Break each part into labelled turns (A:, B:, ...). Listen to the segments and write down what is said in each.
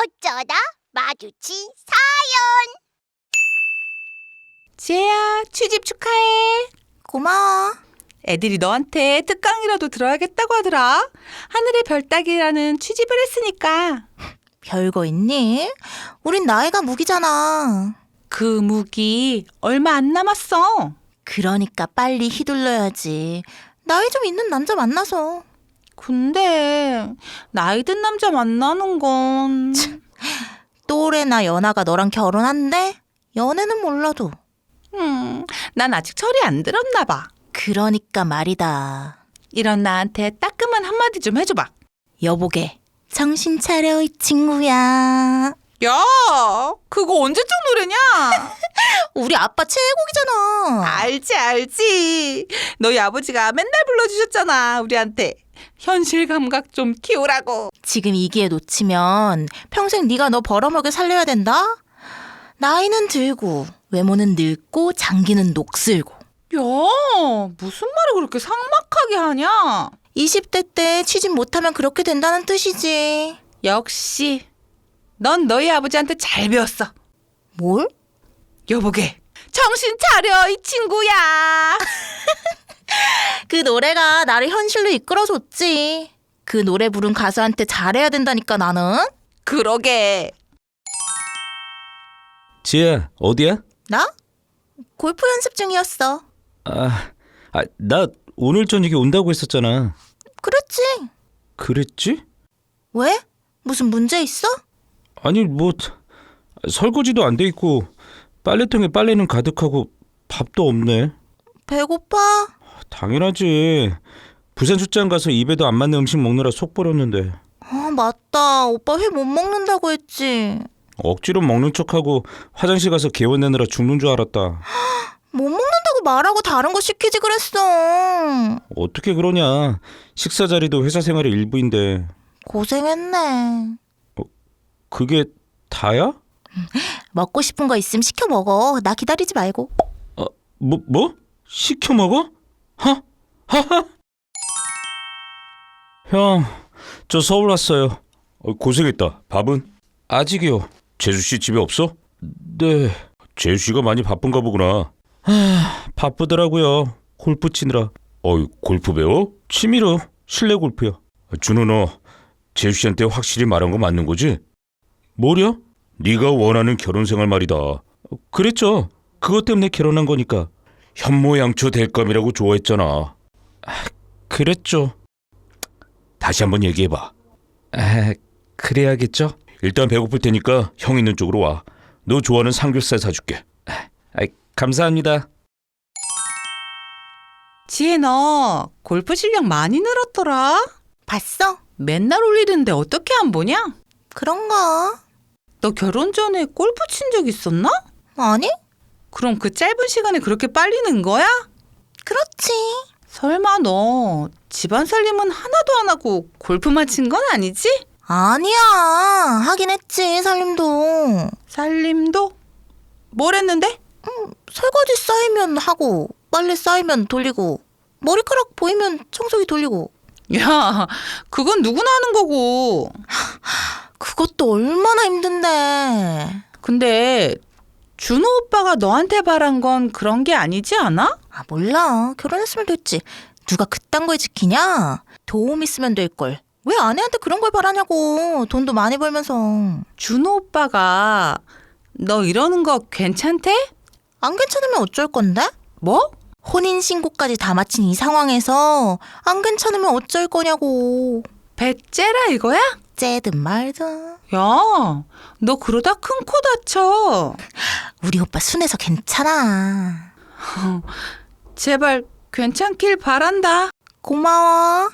A: 어쩌다 마주친
B: 지혜야, 취집 축하해.
C: 고마워.
B: 애들이 너한테 특강이라도 들어야겠다고 하더라. 하늘의 별 따기라는 취집을 했으니까.
C: 별거 있니? 우린 나이가 무기잖아.
B: 그 무기 얼마 안 남았어.
C: 그러니까 빨리 휘둘러야지. 나이 좀 있는 남자 만나서.
B: 근데 나이 든 남자 만나는 건...
C: 또래나 연하가 너랑 결혼한대? 연애는 몰라도.
B: 난 아직 철이 안 들었나 봐.
C: 그러니까 말이다.
B: 이런 나한테 따끔한 한마디 좀 해줘봐.
C: 여보게, 정신 차려 이 친구야.
B: 야, 그거 언제적 노래냐?
C: 우리 아빠 최애곡이잖아.
B: 알지. 너희 아버지가 맨날 불러주셨잖아, 우리한테. 현실 감각 좀 키우라고.
C: 지금 이 기회 놓치면 평생 네가 너 벌어먹여 살려야 된다? 나이는 들고 외모는 늙고 장기는 녹슬고.
B: 야, 무슨 말을 그렇게 삭막하게 하냐?
C: 20대 때 취직 못하면 그렇게 된다는 뜻이지.
B: 역시 넌 너희 아버지한테 잘 배웠어.
C: 뭘?
B: 여보게, 정신 차려 이 친구야.
C: 그 노래가 나를 현실로 이끌어줬지. 그 노래 부른 가수한테 잘해야 된다니까 나는.
B: 그러게.
D: 지혜야, 어디야?
C: 나? 골프 연습 중이었어.
D: 나 오늘 저녁에 온다고 했었잖아.
C: 그랬지.
D: 그랬지?
C: 왜? 무슨 문제 있어?
D: 아니, 뭐 설거지도 안 돼 있고 빨래통에 빨래는 가득하고 밥도 없네.
C: 배고파?
D: 당연하지. 부산 출장 가서 입에도 안 맞는 음식 먹느라 속 버렸는데.
C: 아, 맞다. 오빠 회 못 먹는다고 했지.
D: 억지로 먹는 척하고 화장실 가서 개원내느라 죽는 줄 알았다.
C: 못 먹는다고 말하고 다른 거 시키지 그랬어.
D: 어떻게 그러냐. 식사 자리도 회사 생활의 일부인데.
C: 고생했네.
D: 그게 다야?
C: 먹고 싶은 거 있으면 시켜 먹어. 나 기다리지 말고.
D: 뭐? 시켜 먹어? 하하? 형, 저 서울 왔어요. 고생했다. 밥은? 아직이요. 재수씨 집에 없어? 네. 재수씨가 많이 바쁜가 보구나. 바쁘더라고요. 골프 치느라. 골프 배워? 취미로 실내 골프요. 준호, 너 재수씨한테 확실히 말한 거 맞는 거지? 뭐려? 네가 원하는 결혼 생활 말이다. 그랬죠. 그것 때문에 결혼한 거니까. 현모양처 될 감이라고 좋아했잖아. 그랬죠. 다시 한번 얘기해봐. 그래야겠죠. 일단 배고플 테니까 형 있는 쪽으로 와. 너 좋아하는 삼겹살 사줄게. 감사합니다.
B: 지혜, 너 골프 실력 많이 늘었더라.
C: 봤어?
B: 맨날 올리는데 어떻게 안 보냐?
C: 그런가?
B: 너 결혼 전에 골프 친 적 있었나?
C: 아니?
B: 그럼 그 짧은 시간에 그렇게 빨리 는 거야?
C: 그렇지.
B: 설마 너 집안 살림은 하나도 안 하고 골프만 친 건 아니지?
C: 아니야. 하긴 했지, 살림도.
B: 살림도? 뭘 했는데?
C: 설거지 쌓이면 하고, 빨래 쌓이면 돌리고, 머리카락 보이면 청소기 돌리고.
B: 야, 그건 누구나 하는 거고.
C: 그것도 얼마나 힘든데.
B: 근데 준호 오빠가 너한테 바란 건 그런 게 아니지 않아?
C: 몰라. 결혼했으면 됐지. 누가 그딴 걸 지키냐? 도움 있으면 될걸. 왜 아내한테 그런 걸 바라냐고. 돈도 많이 벌면서.
B: 준호 오빠가 너 이러는 거 괜찮대?
C: 안 괜찮으면 어쩔 건데?
B: 뭐?
C: 혼인신고까지 다 마친 이 상황에서 안 괜찮으면 어쩔 거냐고.
B: 배째라 이거야?
C: 째든 말든.
B: 야, 너 그러다 큰 코 다쳐.
C: 우리 오빠 순해서 괜찮아.
B: 제발 괜찮길 바란다.
C: 고마워.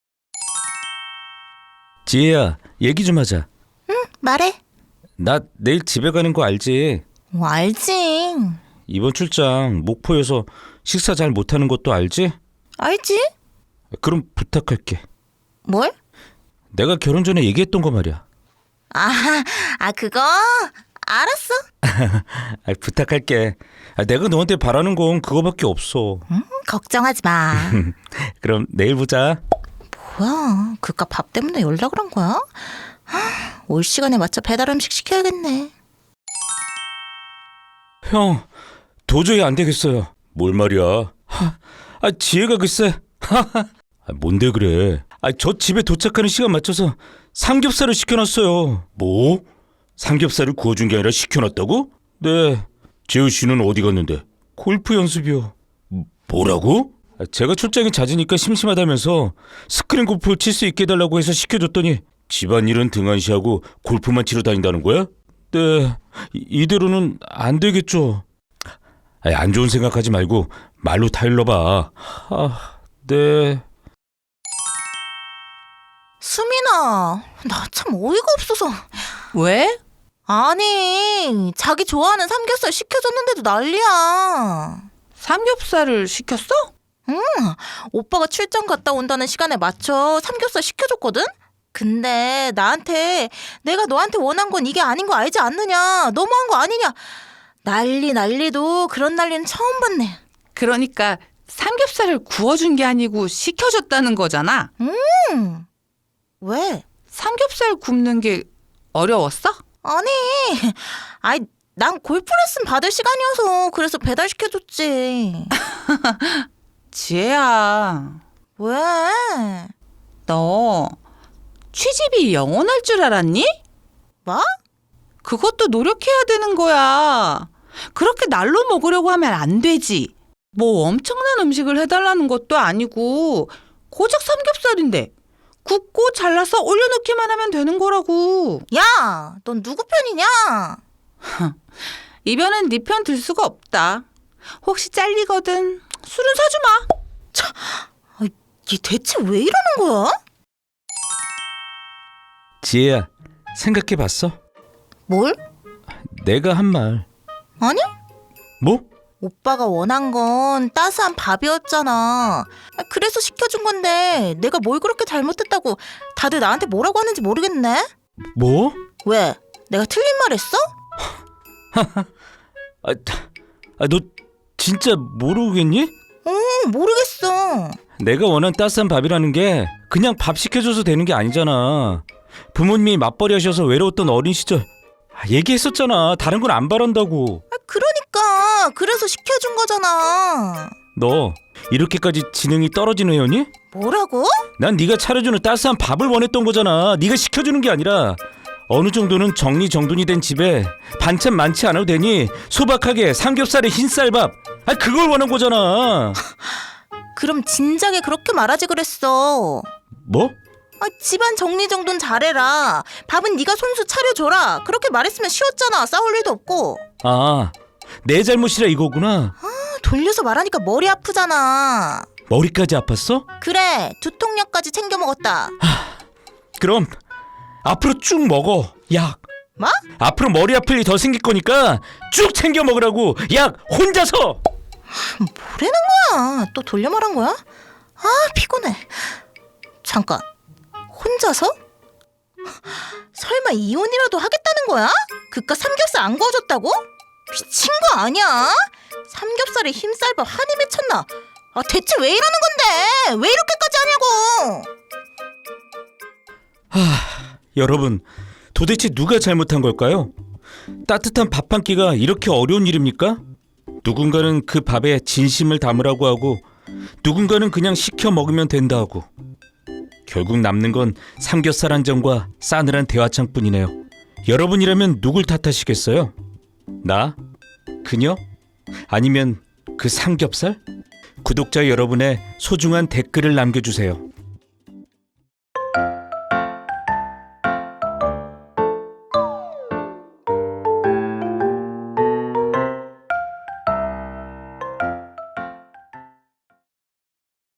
D: 지혜야, 얘기 좀 하자.
C: 말해.
D: 나 내일 집에 가는 거 알지?
C: 알지.
D: 이번 출장 목포여서 식사 잘 못하는 것도 알지?
C: 알지?
D: 그럼 부탁할게.
C: 뭘?
D: 내가 결혼 전에 얘기했던 거 말이야.
C: 그거? 알았어.
D: 부탁할게. 내가 너한테 바라는 건 그거밖에 없어.
C: 걱정하지 마.
D: 그럼 내일 보자.
C: 뭐야? 그깟 밥 때문에 연락을 한 거야? 올 시간에 맞춰 배달 음식 시켜야겠네.
D: 형, 도저히 안 되겠어요. 뭘 말이야? 지혜가 글쎄. 뭔데 그래? 저 집에 도착하는 시간 맞춰서 삼겹살을 시켜놨어요. 뭐? 삼겹살을 구워준 게 아니라 시켜놨다고? 네. 재우 씨는 어디 갔는데? 골프 연습이요. 뭐라고? 제가 출장이 잦으니까 심심하다면서 스크린 골프 칠 수 있게 해달라고 해서 시켜줬더니 집안일은 등한시하고 골프만 치러 다닌다는 거야? 네. 이대로는 안 되겠죠. 안 좋은 생각하지 말고 말로 타일러봐. 네.
C: 수민아, 나 참 어이가 없어서.
B: 왜?
C: 아니, 자기 좋아하는 삼겹살 시켜줬는데도 난리야.
B: 삼겹살을 시켰어?
C: 오빠가 출장 갔다 온다는 시간에 맞춰 삼겹살 시켜줬거든? 근데 나한테 내가 너한테 원한 건 이게 아닌 거 알지 않느냐, 너무한 거 아니냐, 난리도 그런 난리는 처음 봤네.
B: 그러니까 삼겹살을 구워준 게 아니고 시켜줬다는 거잖아.
C: 왜?
B: 삼겹살 굽는 게 어려웠어?
C: 아니, 난 골프 레슨 받을 시간이어서 그래서 배달시켜줬지.
B: 지혜야,
C: 왜?
B: 너 취집이 영원할 줄 알았니?
C: 뭐?
B: 그것도 노력해야 되는 거야. 그렇게 날로 먹으려고 하면 안 되지. 뭐 엄청난 음식을 해달라는 것도 아니고 고작 삼겹살인데 굽고 잘라서 올려놓기만 하면 되는 거라고.
C: 야, 넌 누구 편이냐?
B: 이번엔 네 편 들 수가 없다. 혹시 잘리거든 술은 사주마.
C: 얘 대체 왜 이러는 거야?
D: 지혜야, 생각해봤어?
C: 뭘?
D: 내가 한 말.
C: 아니?
D: 뭐?
C: 오빠가 원한 건 따스한 밥이었잖아. 그래서 시켜준 건데 내가 뭘 그렇게 잘못했다고 다들 나한테 뭐라고 하는지 모르겠네.
D: 뭐?
C: 왜? 내가 틀린 말 했어?
D: 너 진짜 모르겠니?
C: 모르겠어.
D: 내가 원한 따스한 밥이라는 게 그냥 밥 시켜줘서 되는 게 아니잖아. 부모님이 맞벌이 하셔서 외로웠던 어린 시절 얘기했었잖아. 다른 건 안 바란다고.
C: 그러니까 그래서 시켜준 거잖아.
D: 너 이렇게까지 지능이 떨어지는 애였니?
C: 뭐라고?
D: 난 네가 차려주는 따스한 밥을 원했던 거잖아. 네가 시켜주는 게 아니라 어느 정도는 정리정돈이 된 집에 반찬 많지 않아도 되니 소박하게 삼겹살에 흰쌀밥 그걸 원한 거잖아.
C: 그럼 진작에 그렇게 말하지 그랬어.
D: 뭐?
C: 집안 정리정돈 잘해라. 밥은 네가 손수 차려줘라. 그렇게 말했으면 쉬웠잖아. 싸울 일도 없고.
D: 내 잘못이라 이거구나.
C: 돌려서 말하니까 머리 아프잖아.
D: 머리까지 아팠어?
C: 그래, 두통약까지 챙겨 먹었다.
D: 그럼 앞으로 쭉 먹어. 약.
C: 뭐?
D: 앞으로 머리 아플 일 더 생길 거니까 쭉 챙겨 먹으라고. 약 혼자서.
C: 뭐라는 거야? 또 돌려 말한 거야? 피곤해. 잠깐, 혼자서? 설마 이혼이라도 하겠다는 거야? 그깟 삼겹살 안 구워줬다고? 미친 거 아니야? 삼겹살에 흰쌀밥 한이 맺혔나? 대체 왜 이러는 건데? 왜 이렇게까지 하냐고?
D: 여러분, 도대체 누가 잘못한 걸까요? 따뜻한 밥 한 끼가 이렇게 어려운 일입니까? 누군가는 그 밥에 진심을 담으라고 하고 누군가는 그냥 시켜 먹으면 된다 하고 결국 남는 건 삼겹살 한 점과 싸늘한 대화창뿐이네요. 여러분이라면 누굴 탓하시겠어요? 나? 그녀? 아니면 그 삼겹살? 구독자 여러분의 소중한 댓글을 남겨주세요.